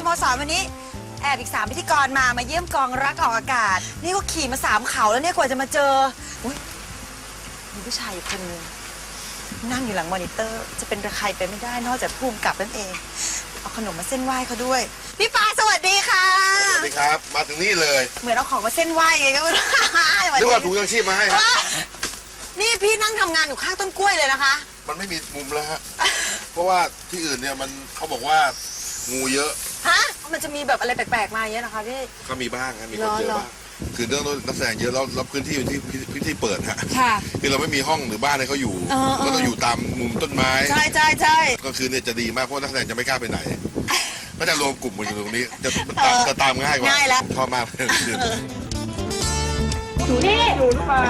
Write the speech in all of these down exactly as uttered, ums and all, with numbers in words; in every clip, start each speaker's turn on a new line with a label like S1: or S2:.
S1: มสวันนี้แอบอีกสามพิธีกรมามาเยี่ยมกองรักออกอากาศนี่ก็ขี่มาสามเขาแล้วเนี่ยกว่าจะมาเจออุ๊ยมีผู้ชายอยู่คนนึงนั่งอยู่หลังมอนิเตอร์จะเป็นใครไปไม่ได้นอกจากภูมิกับนั่นเองเอาขนมมาเส้นไหว้เขาด้วยพี่ปาสวัสดีค่ะ
S2: สวัสดีครับมาถึงนี่เลย
S1: เหมือนเอาของมาเส้นไหว้ไงก็ไม่รู้
S2: นึกว่าถุงยังชีพมาให้ครับ
S1: นี่พี่นั่งทำงานอยู่ข้างต้นกล้วยเลยนะคะ
S2: มันไม่มีมุมแล้วฮะเพราะว่าที่อื่นเนี่ยมันเขาบอกว่างูเยอะ
S1: ฮะมันจะมีแบบอะไรแปลกๆมาเยอะนะคะพี่
S2: ก็มีบ้างครับมีคนเยอะบ้างคือเรื่องนักแสดงเยอะแล้วรับพื้นที่อยู่ที่พื้นที่เปิดฮะค่ะคือเราไม่มีห้องหรือบ้านให้เขาอยู่ก็ต้องอยู่ตามมุมต้นไม้
S1: ใช่ใช่ใช่
S2: ก็คือเนี่ยจะดีมากเพราะนักแสดงจะไม่กล้าไปไหนก็จะรวมกลุ่มมาอยู่ตรงนี้จะตามจะตามง่ายกว่า
S1: ง่ายแล้ว
S2: ชอบมากเลย
S3: นี่อยู่หรือเปล่า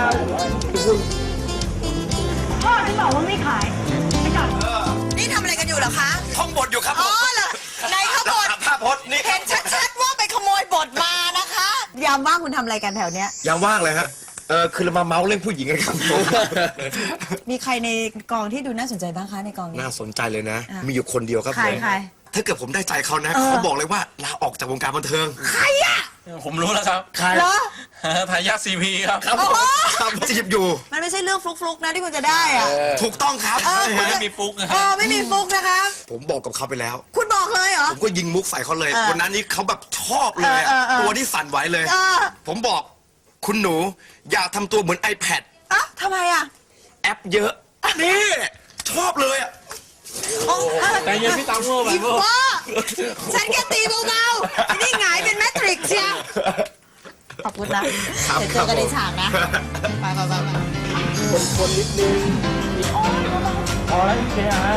S3: พ่อที่บอกว่าไม่ขายไม่กลับ
S1: นี่ทำอะไรกันอยู่เหรอคะ
S4: ท่องบทอยู่ครับ
S1: อ๋อเหรอในข้าวบด
S4: ภาพพจน์นี่
S1: เห็นชัดๆว่าไปขโมยบทมานะคะยามว่างคุณทำอะไรกันแถวเนี้ย
S4: ยามว่างเลยฮะเออคือเรามาเมาส์เรื่องผู้หญิงกันครับ
S1: มีใครในกองที่ดูน่าสนใจบ้างคะในกองนี้
S4: น่าสนใจเลยนะมีอยู่คนเดียวครับ
S1: ใครใคร
S4: ถ้าเกิดผมได้ใจเขานะเขาบอกเลยว่าลาออกจากวงการบันเทิง
S1: ใครอะ
S5: ผมรู้แล้วครับ
S4: ใคร
S1: เหรอ
S5: ทายาทซีพีครับ
S4: ครับผมจีบอยู่
S1: มันไม่ใช่เรื่องฟลุกๆนะที่คุณจะได้อะ
S4: ถูกต้องครับ
S5: ไม่มีฟุกนะ
S1: เออไม่มีฟุกนะคะ
S4: ผมบอกกับเขาไปแล้ว
S1: คุณบอกเลยเหรอ
S4: ผมก็ยิงมุกใส่เขาเลยวันนั้นนี่เขาแบบชอบเลยตัวที่สั่นไหวเลยผมบอกคุณหนูอย่าทำตัวเหมือน iPad
S1: อ่ะทำไมอ่ะ
S4: แอปเยอะนี่ชอบเลยอ่ะ
S5: แต่ยังพี่ตังโง่ไปโง่
S1: ฉันแค่ตีเบาๆนี่หงายเป็นแมทริกซ์เชียวขอบคุณนะเดี๋ยวเจอกันในฉากนะไปไปไปไป
S5: คนคนนิดนึงพอแล้วพี่แกฮะ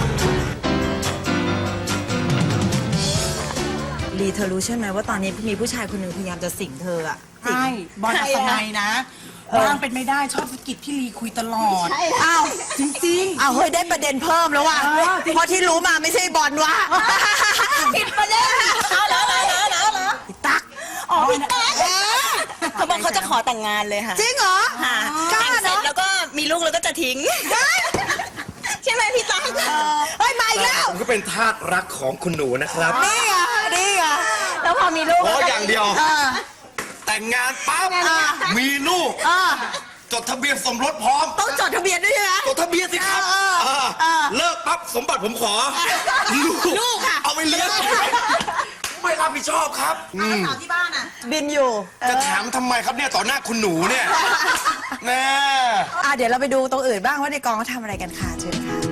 S1: ลีเธอรู้ใช่ไหมว่าตอนนี้มีผู้ชายคนหนึ่งพยายามจะสิงเธออ่ะ
S3: ใช่บอลอัศนัยนะว่างเป็นไม่ได้ชอบสกิดพี่ลีคุยตลอด
S1: อ้าว
S3: จริง
S1: ๆอ้าวเฮ้ยได้ประเด็นเพิ่มแล้วว่ะเพราะที่รู้มาไม่ใช่บอลว่ะผิดประเด็นเอาเหรอเหรอเหรอเหรอเหรอตัก
S3: อ๋อพี่ตั๊ก
S6: เขาบอกเขาจะขอแต่งงานเลยค่ะ
S1: จริงเหรอ
S6: ค่ะแต่งเสร็จแล้วก็มีลูกแล้วก็จะทิ้งใช่ไหมพี่ตั๊ก
S1: เฮ้ยมาอีกแล้ว
S4: ผมก็เป็นทาสรักของคุณหนูนะครับ
S1: นี่อ่ะนี่อ่ะ
S6: แล้วพอมีลูก
S4: โอ้อย่างเดียวแต่งงานปั๊บมีลูกจดทะเบียนสมรสพร้อม
S1: ต้องจดทะเบียนด้วยใช่ไหม
S4: จดทะเบียนสิครับเลิกปั๊บสมบัติผมขอ
S1: ลูกค่ะ
S4: เอาไปเลี้ยงไม่รับผิดชอบครับ
S1: สาวที่บ้านอ่ะบินอยู่
S4: จะถามทำไมครับเนี่ยต่อหน้าคุณหนูเนี่ยแน่
S1: อ่ะเดี๋ยวเราไปดูตรงอื่นบ้างว่าในกองเขาทำอะไรกันค่ะเชิญค่ะ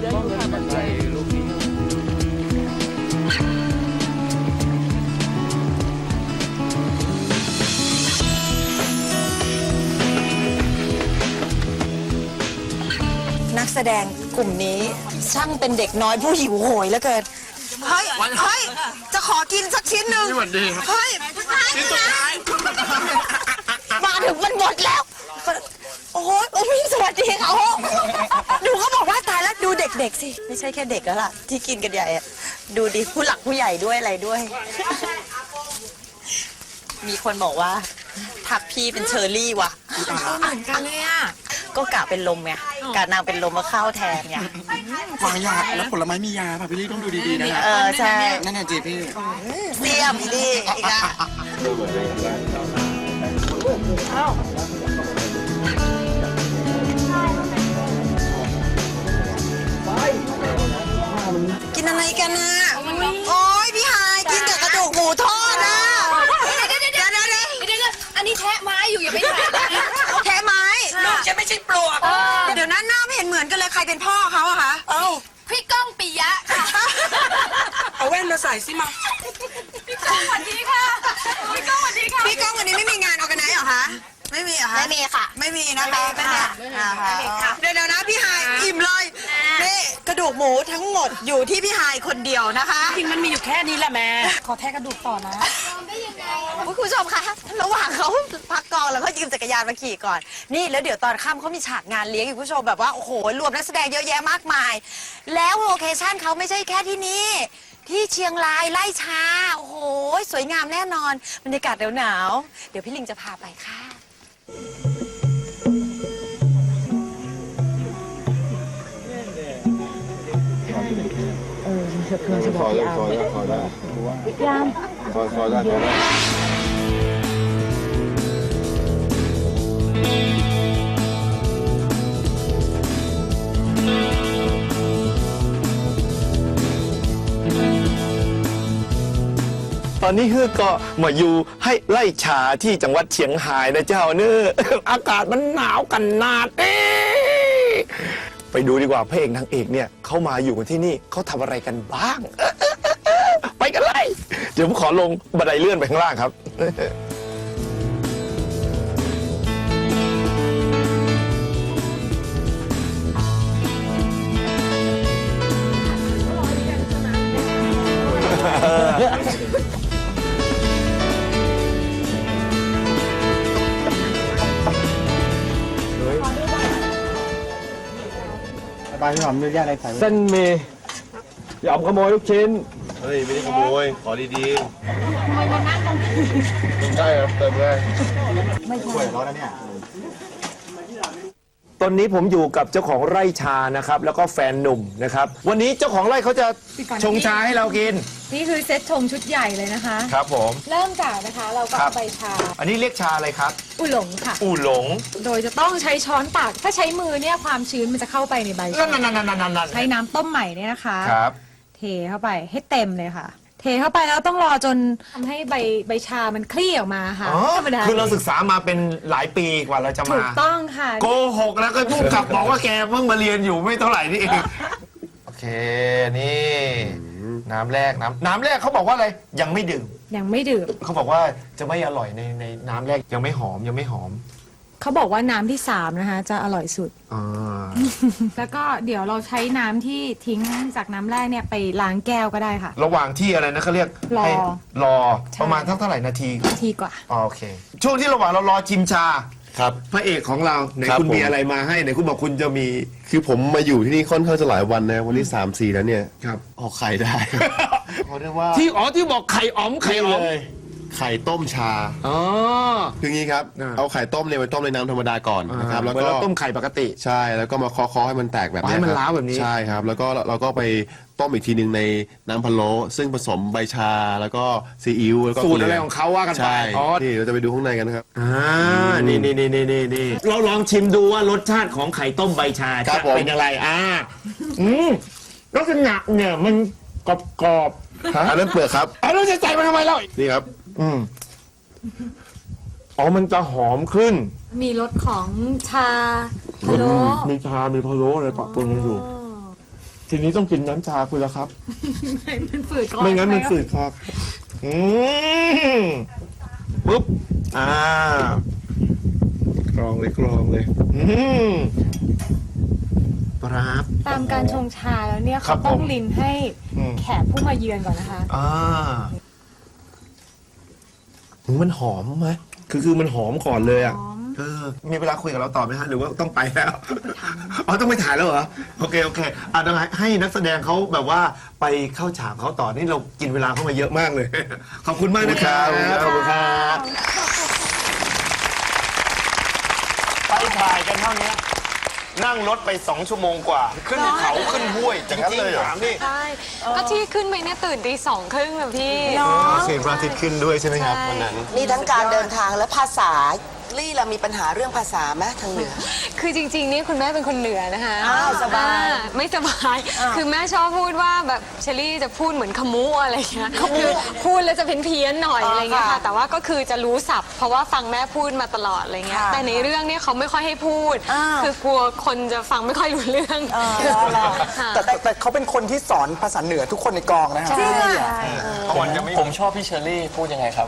S1: นักแสดงกลุ่มนี้ช่างเป็นเด็กน้อยผู้หิวโหยเหลือเกินเฮ้ยเฮ้ยจะขอกินสักชิ้นหนึ่งเฮ้ย
S4: ชิ้นสุดท้าย
S1: มาถึงมันหมดแล้วโอ้โหโอ้พี่สวัสดีค่ะดูเขาบอกว่าตายแล้วดูเด็กๆสิไม่ใช่แค่เด็กแล้วล่ะที่กินกันใหญ่อะดูดิผู้หลักผู้ใหญ่ด้วยอะไรด้วยมีคนบอกว่าทักพี่เป็นเชอร์รี่ว่ะ
S3: เหมือนกันเลยอ่ะ
S1: ก็กะเป็นลมไงกะนางเป็นลมมาเข้าแทนไง
S7: วางยาแล้วผลไม้มียาป่ะพี่ลี่ต้องดูดีๆนะ
S1: เออใช่
S7: นั่นน่ะจีพี่
S1: เสียมดีอีกอ่ะกินอะไรกันนะโอ้ยพี่ฮายกินแต่กระดูกหมูทอดนะ
S6: เดี๋ยวเดี๋ยวเดี๋ยวเดี๋ยวเดี๋ยวอันนี้แทะไม้อยู่อย่าไปแทะ
S1: แทะไม้
S6: ลูกจะไม่ใช่ปลวก
S1: เดี๋ยวนั้นหน้าไม่เห็นเหมือนกันเลยใครเป็นพ่อเขาอะคะ
S6: เอ้าพี่ก้องปิยะค่ะ
S3: เอาแว่นมาใส่สิมา
S6: พี่ก้องสวัสดีค่ะพี่ก้องสวัสดีค่ะ
S1: พี่ก้องวันนี้ไม่มีงานออร์แกไนซ์เหรอคะไม่มีเหรอคะ
S6: ไม่มีค่ะ
S1: ไม่มีนะคะไม่มี
S6: ค่ะ
S1: เดี๋ยวนะพี่ฮายอิ่มเลยนี่กระดูกหมูทั้งหมดอยู่ที่พี่ฮายคนเดียวนะคะ
S3: จริงมันมีอยู่แค่นี้แหละแม่ขอแทะกระดูกต่อนะ
S1: คุณผู้ชมคะระหว่างเขาพักกองแล้วก็ยืมจักรยานมาขี่ก่อนนี่แล้วเดี๋ยวตอนค่ำเขามีฉากงานเลี้ยงคุณผู้ชมแบบว่าโอ้โหรวมนักแสดงเยอะแยะมากมายแล้วโลเคชั่นเขาไม่ใช่แค่ที่นี่ที่เชียงรายไล่ชาโอ้โหสวยงามแน่นอนบรรยากาศหนาวๆเดี๋ยวพี่ลิงจะพาไปค่ะ
S2: ซอยได้ซอยได้ซอยได้
S1: ยาม
S2: ซอยซอยได้ซอยได้
S8: ตอนนี้ฮือก็มาอยู่ให้ไล่ชาที่จังหวัดเชียงรายนะเจ้าเนอะอากาศมันหนาวกันนาดเอ๊ะไปดูดีกว่าพระเอกนางเอกเนี่ยเขามาอยู่กันที่นี่เขาทำอะไรกันบ้าง ไปกันเลยเดี๋ยวผมขอลงบันไดเลื่อนไปข้างล่างครับ
S7: บายพี่หอมเนื้อย่างอะไรใส่ไว้
S5: เส้นหมียอมขโมยลูกชิ้น
S2: เฮ้ยไม่ได้ขโมยขอดีๆใช่ครับเติมได้
S7: สวยร้อนนะเนี่ย
S8: ตอนนี้ผมอยู่กับเจ้าของไร่ชานะครับแล้วก็แฟนหนุ่มนะครับวันนี้เจ้าของไร่เขาจะชงชาให้เรากิน
S9: นี่คือเซตชงชุดใหญ่เลยนะคะ
S8: ครับผม
S9: เริ่มจากนะคะเราก็
S8: ครั
S9: เอา
S8: บ
S9: ใบชา
S8: อันนี้เรียกชาอะไรครับ
S9: อุหลงค่ะ
S8: อู่หลง
S9: โดยจะต้องใช้ช้อนตัก ถ้าใช้มือเนี่ยความชื้นมันจะเข้าไปในใบ
S8: นั่
S9: ชาน
S8: นั่นนั่นนั่นนั่น
S9: ใช้น้ำต้มใหม่เนี่ยนะคะ
S8: ครับ
S9: เทเข้าไปให้เต็มเลยค่ะ เทเข้าไปแล้วต้องรอจนทำให้ใบใบชามันคลี่ออกมาค่ะ
S8: อ๋อ
S9: ธรรมดา
S8: คือเราศึกษามาเป็นหลายปีกว่าเราจะ
S9: ถู
S8: มา
S9: กต้องค่ะ
S8: โกหกแล้วก็พูดกลับบอกว่าแกเพิ่งมาเรียนอยู่ไม่เท่าไหร่นี่เองโอเคนี่น้ำแรกน้ำน้ำแรกเขาบอกว่าอะไรยังไม่ดื่ม
S9: ยังไม่ดื่ม
S8: เขาบอกว่าจะไม่อร่อยในในน้ำแรกยังไม่หอมยังไม่หอม
S9: เขาบอกว่าน้ำที่สามนะคะจะอร่อยสุด
S8: อ่า
S9: แล้วก็เดี๋ยวเราใช้น้ำที่ทิ้งจากน้ำแรกเนี่ยไปล้างแก้วก็ได้ค่ะ
S8: ระหว่างที่อะไรนะเขาเรียก
S9: รอ
S8: ให้รอ
S9: ใช่
S8: ประมาณเท่าเท่าไหร่นาที
S9: ทีกว่า
S8: อ๋อโอเค ช่วงที่ระหว่างเรารอชิมชา
S10: ครับ
S8: พระเอกของเราไหน
S10: ครับ
S8: คุณมี
S10: ผม
S8: อะไรมาให้ไหนคุณบอกคุณจะมี
S10: คือผมมาอยู่ที่นี่ค่อนข้างจะหลายวันนะวันที่สามสี่แล้วเนี่ย
S8: ครับ
S10: ออกไข่ได้ เขาเรียกว่า
S8: ที่อ๋อที่บอกไข่อ๋อมไข่อ๋อม
S10: เลยไข่ต้มชา
S8: อ๋อ
S10: คืองี้ครับ
S8: อ่า
S10: เอาไข่ต้มเนี่ยไปต้มในน้ำธรรมดาก่อนนะครับแล้ว
S8: เหมือน
S10: ก็
S8: เราต้มไข่ปกติ
S10: ใช่แล้วก็มาเคาะๆให้มันแตกแบบ
S8: อ๋อให้
S10: เนี้ย
S8: มัน
S10: ครับ
S8: ล้าวแบบนี้
S10: ใช่ครับแล้วก็เราก็ไปต้มอีกทีหนึ่งในน้ำพะโล้ซึ่งผสมใบชาแล้วก็ซีอิ๊วแล้วก็
S8: สูตรอะไร
S10: กลื
S8: ของเขาว่ากันไป
S10: ใช่
S8: อ๋อ
S10: นี่เราจะไปดูข้างในกันนะครับ
S8: อ่านี่นี่นี่นี่นี่นี่เราลองชิมดูว่ารสชาติของไข่ต้มใบชา
S10: ครั
S8: จะ
S10: บผม
S8: เป็นอะไรอ่าอืมลักษณะเนี่ยมันกรอบกรอบๆฮะ
S10: อันนั้นเปลือกครับ
S8: เอาแล้วจะใส่มันทำไมเล่า
S10: นี่ครับ
S8: อืมอ๋อมันจะหอมขึ้น
S9: มีรสของชาพะโล้
S8: มีชา มีพะโล้อะไรปะปนกันอยู่ ทีนี้ต้องกินน้ำชาคุณแล้วครับ
S9: มันฝืดก่อน
S8: ไม่งั้นมันฝืดครับ อืมปุ๊บ อ่ากรองเลยกรองเลย อืมปราบ
S9: ตามการชงชาแล้วเนี่ย
S8: ครั
S9: เขา
S8: บ
S9: ต้อง
S8: ผม
S9: ลินให้
S8: อืม
S9: แขกผู้มาเยือนก่อนนะคะ
S8: อ่าถึงมันหอมไหมคือคือมันหอมก่อนเลยอ่ะ
S9: หอม
S8: เออ มีเวลาคุยกับเราต่อไหมฮะ หรือว่าต้องไปแล้ว อ๋อ ต้องไปถ่ายแล้วเหรอ โอเค โอเค อ่ะต้องให้ให้นักแสดงเขาแบบว่าไปเข้าฉากเขาต่อ นี่เรากินเวลาเข้ามาเยอะมากเลย ขอบคุณมากนะครับ ขอบคุณครับ ไปถ่ายกันเท่านี้นั่งรถไปสองชั่วโมงกว่า ขึ้นเขาขึ้นห้วยจริงๆถามนี่
S11: ใช่ก็ที่ขึ้นไปเนี่ยตื่นตีสองครึ่งแบบพี่
S10: เสียงพระอาทิตย์ขึ้นด้วยใช่ไหมครับวันนั้น
S3: นี่ทั้งการเดินทางและภาษา ลี่เรามีปัญหาเรื่องภาษาไหมทางเหนือ
S11: คือจริงๆนี่คุณแม่เป็นคนเหนือนะคะ
S3: อ้าวสบาย
S11: อ่ไม่สบาย คือแม่ชอบพูดว่าแบบเชอรี่จะพูดเหมือนขมูอะไรเงี้ยคือพูดแล้วจะเพี้ยนๆหน่อยอะไรเงี้ยค่ะ แต่ว่าก็คือจะรู้ศัพท์ เพราะว่าฟังแม่พูดมาตลอดอะไรเงี้ย แต่ในเรื่องเนี่ยเขาไม่ค่อยให้พูด คือกลัวคนจะฟังไม่ค่อยรู้เรื่องค่ะ
S7: แต่แต่แต่เขาเป็นคนที่สอนภาษาเหนือทุกคนในกองนะครับ
S9: จริงอ่ะ
S5: ผมผมชอบพี่เชอรี่พูดยังไงครับ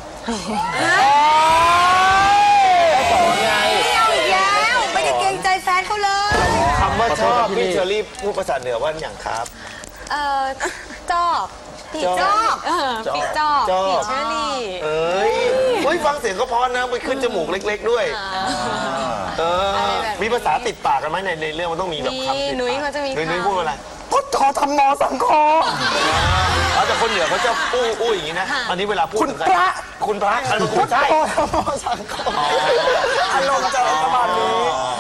S1: เอาอีกแล้วไม่ได้เกรงใจแฟนเขาเลย
S8: คำว่าชอบพี่เชอรี่พูดภาษาเหนือว่าอย่างครับ
S11: เออจอบปีจอบเออปีจอบ
S8: จอบ
S11: ปีเชอรี่
S8: เอ้ยเฮ้ยฟังเสียงก็เพอนะไปขึ้นจมูกเล็ก ๆ ด้วย เออ มีภาษาติดปากกันไหมในในเรื่องมันต้องมีแบบ
S11: มี
S8: คำติดปาก
S11: นุ้ยเขาจะมี
S8: นุ้ยนุ้ย
S11: คำ
S8: พูดอะไร
S7: พุทธอธรรมโมสังโฆ
S8: อ๋อแต่คนเหนือเขาจะอู้อู้อย่างนี้นะอันนี้เวลาพูด
S7: คุณพระ
S8: คุณพระอันนี้คุณใช่
S7: พุทธอธรรมโมสังโฆอารมณ์จะประมาณนี้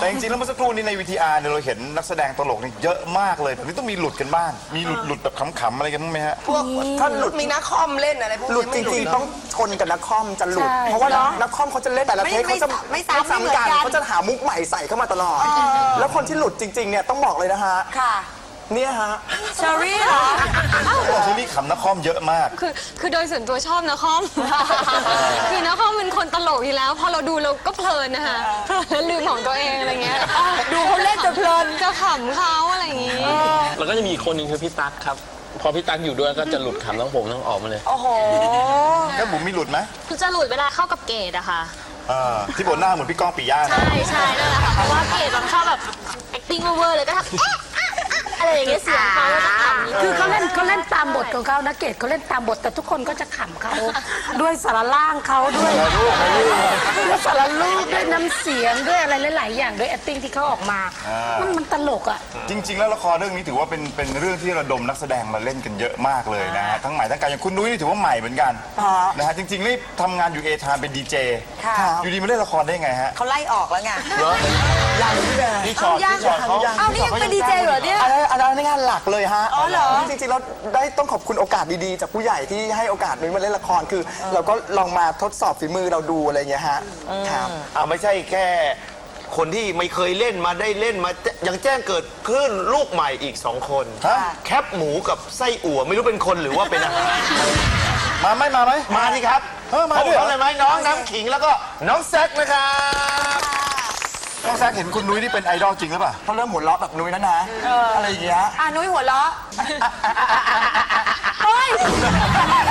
S12: แต่จริงๆแล้วเมื่อสักครู่นี้ใน วี ที อาร์ เนี่ยเราเห็นนักแสดงตลกนี่เยอะมากเลยแบบนี้ต้องมีหลุดกันบ้างมีหลุดหลุดแบบขำๆอะไรกันบ้างไหมฮะ
S3: พวกถ้าหลุดมีนักคอมเล่นอะไรพวกนี้หลุดจริงๆต้องชนกับนักคอมจะหลุดเพราะว่านักคอมเขาจะเล่นแต่ละเทคเขาจะไม่ซ้ำกันเขาจะหามุกใหม่ใส่เข้ามาตลอดแล้วคนที่หลุดจริงๆเนี่ยต้องบอกเลยนะฮะค่ะเนี่ยฮะ
S1: เชอรี่เหรอ
S12: เชอรี่ขำนักคอมเยอะมาก
S11: คือคือโดยส่วนตัวชอบนะคอม คือนะคอมเป็นคนตลกอยู่แล้ว พอเราดูเราก็เพลินนะคะเพลินแล้วลืมของตัวเองอะไรเงี้ย
S1: ดูเขาเล่นจะเพลิน
S11: จะขำเขาอะไรอย่างงี้
S5: แล้วก็จะมีอีกคนหนึ่งคือพี่ตั๊กครับ พอพี่ตั๊กอยู่ด้วยก็จะหลุดขำทั้งผมทั้งออกมาเลย
S1: โอ้โห
S12: แล้วบุ๋มมีหลุดไหม
S11: คือจะหลุดเวลาเข้ากับเกดอะค่ะ
S12: อ่าที่บนหน้าเหมือนพี่ก้องปิยะนะ
S11: ใช่ใช่นั่นแหละค่ะ เพราะว่าเกดแบบชอบแบบ acting over เลยก็ทำเอ๊ะอะไรอย่างเงี้ยเสียงเขาจะขำ
S13: คือเขาเล่นเขาเล่นตามบทของเขานะเกดเขาเล่นตามบทแต่ทุกคนก็จะขำเขาด้วยสารล่างเขาด้วยด้วยสารลูกด้วยน้ำเสียงด้วยอะไรหลายๆอย่างด้วย acting ที่เขาออกมา มันมันตลกอ่ะ
S12: จริง ๆ แล้วละครเรื่องนี้ถือว่าเป็นเป็นเรื่องที่ระดมนักแสดงมาเล่นกันเยอะมากเลยนะฮะทั้งใหม่ทั้งเก่าอย่างคุณนุ้ยนี่ถือว่าใหม่เหมือนกันนะฮะจริงๆนี่ทำงานอยู่เอทามเป็นดีเจอยู่ดีมาเล่นละครได้ไงฮะ
S1: เขาไล่ออกแล้วไง
S3: ยังพี่แบร์
S12: พี่ชอตพี่ชอตเขา
S1: เอานี่ยังเป็นดีเจเหรอเนี่ย
S3: อันนั้นอันนั้นงานหลักเลยฮะ
S1: อ๋อเหรอ
S3: จริงๆเราได้ต้องขอบคุณโอกาสดีๆ จากผู้ใหญ่ที่ให้โอกาสนุ้ยมาเล่นละครคือ เราก็ลองมาทดสอบฝีมือเราดูอะไรอย่างเงี้ยฮะครับ
S14: เอาไม่ใช่แค่คนที่ไม่เคยเล่นมาได้เล่นมายังแจ้งเกิดคลื่นลูกใหม่อีกสองคนแคปหมูกับไส้อั่วไม่รู้เป็นคนหรือว่าเป็นอาหาร
S12: มาไหมมาไหม
S14: มาดิครับ
S12: เออมาด้วย
S14: เขาเลยไหมน้องน้ำขิงแล้วก็น้องแซคนะครับ
S12: น้องแซคเห็นคุณนุ้ยนี่เป็นไอดอลจริงหรือเปล่า
S3: เขาเริ่มหัวเราะแบบนุ้ยแล้วนะอะไรอย่างเงี้ย
S1: อ่ะนุ้ยหัวเราะเฮ้ย